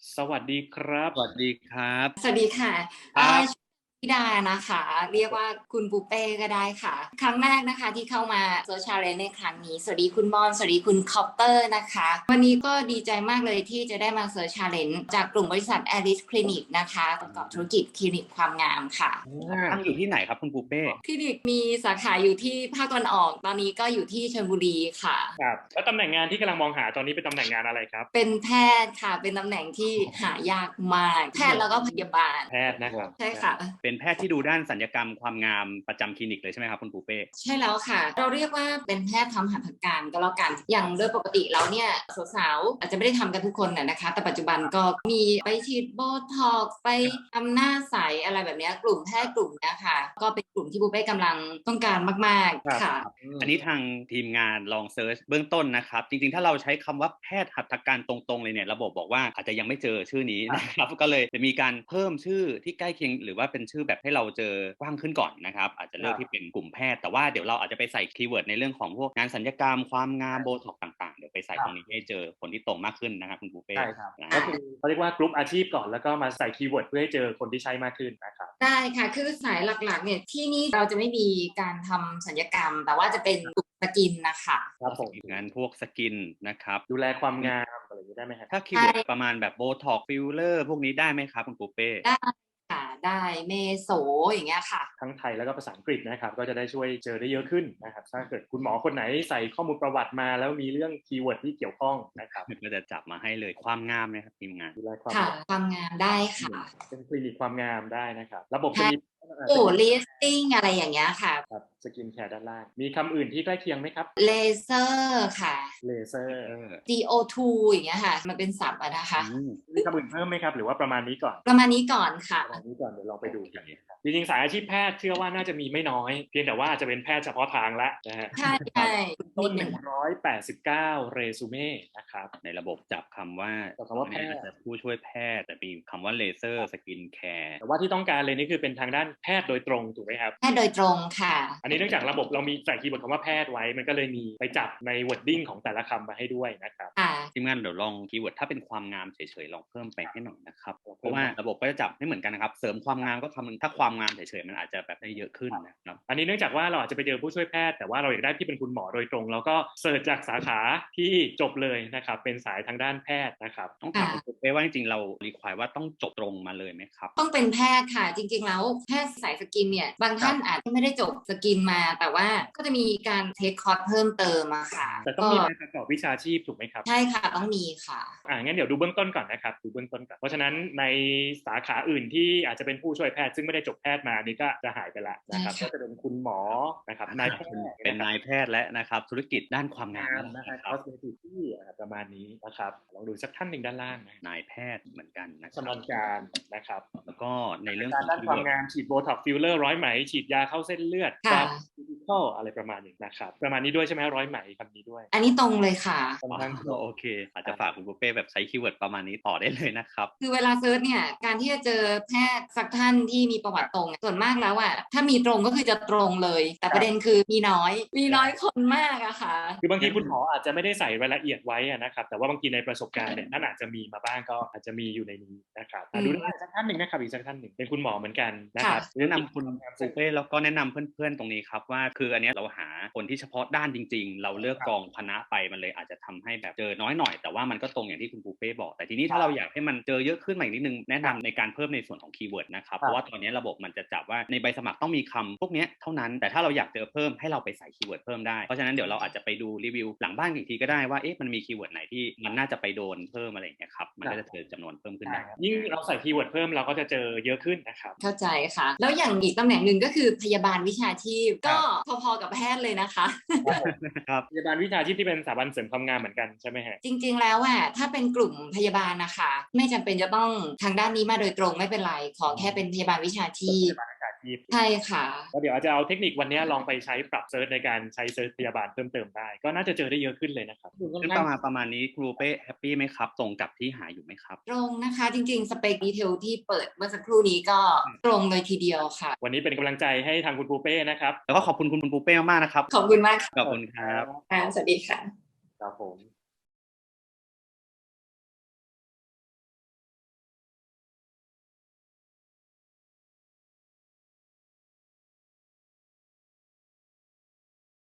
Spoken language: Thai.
สวัสดีครับสวัสดีครับสวัสดีค่ะครับชื่อธิดานะคะ เรียกว่าคุณปูเป้ก็ได้ค่ะ ครั้งแรกนะคะที่เข้ามา Search Challenge ในครั้งนี้ สวัสดีคุณบอลสวัสดีคุณคอปเตอร์นะคะ วันนี้ก็ดีใจมากเลยที่จะได้มา Search Challenge จากกลุ่มบริษัท Alice Clinic นะคะประกอบธุรกิจคลินิกความงามค่ะตั้งอยู่ที่ไหนครับคุณปูเป้คลินิกมีสาขาอยู่ที่ภาคตะวันออก ตอนนี้ก็อยู่ที่ชลบุรีค่ะครับแล้วตำแหน่งงานที่กำลังมองหาตอนนี้เป็นตำแหน่งงานอะไรครับเป็นแพทย์ค่ะ เป็นตำแหน่งที่หายากมาก แพทย์แล้วก็พยาบาลแพทย์นะครับใช่ค่ะเป็นแพทย์ที่ดูด้านศัลยกรรมความงามประจำคลินิกเลยใช่ไหมครับคุณปูเป้ใช่แล้วค่ะ เราเรียกว่าเป็นแพทย์ทำหัตถการก็แล้วกัน อย่างโดยปกติแล้วเนี่ยสาวๆอาจจะไม่ได้ทำกันทุกคนนะคะ แต่ปัจจุบันก็มีไปฉีดโบท็อกซ์ไปทำหน้าใสอะไรแบบนี้กลุ่มแพทย์กลุ่มนี้ค่ะ ก็เป็นกลุ่มที่บูเป้กำลังต้องการมากๆค่ะอันนี้ทางทีมงานลองเซิร์ชเบื้องต้นนะครับจริงๆถ้าเราใช้คำว่าแพทย์หัตถการตรงๆเลยเนี่ยระบบบอกว่าอาจจะยังไม่เจอชื่อนี้นะครับก็เลยจะมีการเพิ่มชื่อที่ใกล้เคียงหรือว่าเป็นชื่อแบบให้เราเจอกว้างขึ้นก่อนนะครับอาจจะเลือกที่เป็นกลุ่มแพทย์แต่ว่าเดี๋ยวเราอาจจะไปใส่คีย์เวิร์ดในเรื่องของพวกงานศัลยกรรมความงามโบท็อกต่างๆเดี๋ยวไปใส่ตรงนี้ให้เจอคนที่ตรงมากขึ้นนะครับคุณปูเป้ใช่ครับก็คือเขาเรียกว่ากลุ่มอาชีพก่อนแล้วก็มาใส่คีย์เวิร์ดเพื่อให้เจอคนที่ใช้มากขึ้นนะครับได้ค่ะคือสายหลักๆเนี่ยที่นี่เราจะไม่มีการทำศัลยกรรม แต่ว่าจะเป็นกลุ่มสกินนะคะครับผมงานพวกสกินนะครับดูแลความงามอะไรอย่างนี้ได้ไหมครับถ้าคีย์เวิร์ดประมาณแบบโบท็อกฟิลเลอร์พวกนี้ได้ไหมครับคุณปูเป้ได้ค่ะได้เมโสอย่างเงี้ยค่ะทั้งไทยแล้วก็ภาษาอังกฤษนะครับก็จะได้ช่วยเจอได้เยอะขึ้นนะครับถ้าเกิดคุณหมอคนไหนใส่ข้อมูลประวัติมาแล้วมีเรื่องคีย์เวิร์ดที่เกี่ยวข้องนะครับก็จะจับมาให้เลยความงามนะครับทีมงานดูแลความค่ะงามความงามได้ค่ะเป็นคลินิกความงามได้นะครับระบบจะมีโอ้ลิสติ้งอะไรอย่างเงี้ยค่ะครับสกินแคร์ด้านล่างมีคำอื่นที่ใกล้เคียงไหมครับเลเซอร์ค่ะเลเซอร์ CO2 อย่างเงี้ยค่ะ มันเป็นศัพท์อะนะคะมีคำอื่นเพิ่มไหมครับหรือว่าประมาณนี้ก่อนประมาณนี้ก่อนค่ะประมาณนี้ก่อนเดี๋ยวลองไปดูกันครับจริงๆสายอาชีพแพทย์เชื่อว่าน่าจะมีไม่น้อยเพียงแต่ว่าจะเป็นแพทย์เฉพาะทางละนะฮะใช่ใช่ต้นนิดหนึ่ง 189เรซูเม่นะครับในระบบจับคำว่าจับคำว่าแพทย์อาจจะผู้ช่วยแพทย์แต่มีคำว่าเลเซอร์สกินแคร์แต่ว่าที่ต้องการเลยนี่คือเป็นทางด้านแพทย์โดยตรงถูกไหมครับแค่โดยตรงค่ะอันนี้เนื่องจากระบบเรามีใส่คีย์เวิร์ดคำว่าแพทย์ไว้มันก็เลยมีไปจับใน wording ของแต่ละคำมาให้ด้วยนะครับค่ะทีมงานเดี๋ยวลองคีย์เวิร์ดถ้าเป็นความงามเฉยๆลองเพิ่มไปให้หน่อยนะครับเพราะว่าระบบก็จะจับไม่เหมือนกันนะครับเสริมความงามก็คำนึงถ้าความงามเฉยๆมันอาจจะแบบได้เยอะขึ้นนะครับอันนี้เนื่องจากว่าเราอาจจะไปเจอผู้ช่วยแพทย์แต่ว่าเราอยากได้ที่เป็นคุณหมอโดยตรงเราก็เสิร์ชจากสาขาที่จบเลยนะครับเป็นสายทางด้านแพทย์นะครับต้องถามคุณเป้ว่าจริงๆเรารีควายว่าต้องจบตรงมาเลยไหมครับต้องเป็นแพทย์ค่ะ จริงๆแล้วแพทย์สายสกินเนี่ย บางท่านอาจจะไม่ได้จบสกินมา แต่ว่าก็จะมีการเทคคอร์สเพิ่มเติมอะค่ะแต่ต้องมีใบประกอบวิชาชีพถูกไหมครับใช่ค่ะต้องมีค่ะงั้นเดี๋ยวดูเบื้องต้นก่อนนะครับดูเบื้องต้นก่อนเพราะฉะนั้นในสาขาอื่นที่อาจจะเป็นผู้ช่วยแพทย์ซึ่งไม่ได้จบแพทย์มานี่ก็จะหายไปละนะครับก็จะเป็นคุณหมอนะครับนายแพทย์เป็นนายแพทย์และนะครับธุรกิจด้านความงามนะครับคอสเมติกที่ประมาณนี้นะครับลองดูสักท่านหนึ่งด้านล่างนะนายแพทย์เหมือนกันนะคชำนาญการนะครับแล้วก็ในเรื่องการด้านความงามฉีดโบท็อกซ์ฟิลเลอร์ร้อยไหมฉีดยาเข้าเส้นเลือดค่ะฟิสิคอลอะไรประมาณนี้นะครับประมาณนี้ด้วยใช่ไหมร้อยไหมคำนี้ด้วยอันนี้ตรงเลยค่ะโอเคอาจจะฝากคุณปูเป้แบบใช้คีย์เวิร์ดประมาณนี้ต่อได้เลยนะครับคือเวลาเซิร์ชเนี่ยการที่จะเจอแพทย์สักท่านที่มีประวัติตรงส่วนมากแล้วอะถ้ามีตรงก็คือจะตรงเลยแต่ประเด็นคือมีน้อยคนมากอะค่ะคือบางทีคุณหมออาจจะไม่ได้ใส่รายละเอียดไว้นะครับแต่ว่าบางทีในประสบการณ์เนี่ยท่านอาจจะมีมาบ้างก็อาจจะมีอยู่ในนี้นะครับดูได้สักท่านหนึ่งนะครับอีกสักท่านหนึ่งเป็นคุณหมอเหมือนกันนะครับแนะนำคุณปูเป้แล้วก็แนะนำเพื่อนๆตรงนี้ครับว่าคืออันนี้เราหาคนที่เฉพาะด้านจริงๆเราเลือกกองคณะไปมันเลยอาจจะทำให้แบบเจอน้อยหน่อยแต่ว่ามันก็ตรงอย่างที่คุณปูเป้บอกแต่ทีนี้ถ้าเราอยากให้มันเจอเยอะขึ้นมาอีกนิดนึงแนะนำในการเพิ่มในส่วนของคีย์เวิร์ดนะครับเพราะว่าตอนนี้ระบบมันจะจับว่าในใบสมัครต้องมีคำพวกนี้เท่านั้นแต่ถ้าเราอยากเจอเพิ่มให้เราไปใส่คีย์เวิร์ดเพิ่มได้เพราะฉะนั้นเดี๋ยวเราอาจจะไปดูรีวิวหลังบ้านอีกทีก็ได้ว่ามันมีคีย์เวิร์ดไหนที่มันน่าจะไปโดนเพิ่มอะไรอย่างเงี้ยครับมันก็จะเจอจำนวนเพิ่มขึ้นได้ยิ่งเราใส่คีย์เวิร์ดเพิ่มเราก็จะเจอเยอะขึ้นนะครับเข้าใจค่ะแล้วอย่างอีกตำแหน่งหนึ่งก็คือพยาบาลวิชาชีพก็พอๆกับแพทย์เลยนะคะครับพยาบาลวิชาชีพที่เป็นสถาบันเสริมความงามเหมือนกันใช่ไหมฮะจริงๆแล้วถ้าเป็นกลุ่มพยาบาลนะคะไม่จำเป็นจะต้องทางด้านนี้มาโดยตรงไม่เป็นไรขอแค่เป็นพยาบาลวิชาชีพใช่ค่ะก็เดี๋ยวอาจจะเอาเทคนิควันนี้ลองไปใช้ปรับเซิร์ชในการใช้เซิร์ชพยาบาลเพิ่มเติมได้ก็น่าจะเจอได้เยอะขึ้นเลยนะครับซึ่งประมาณนี้ครูเป้แฮปปี้ไหมครับตรงกับที่หาอยู่ไหมครับตรงนะคะจริงๆสเปคดีเทลที่เปิดเมื่อสักครู่นี้ก็ตรงเลยทีเดียวค่ะวันนี้เป็นกำลังใจให้ทางคุณปูเป้นะครับแล้วก็ขอบคุณคุณปูเป้มากๆนะครับขอบคุณมากขอบคุณครับสวัสดีค่ะครับผม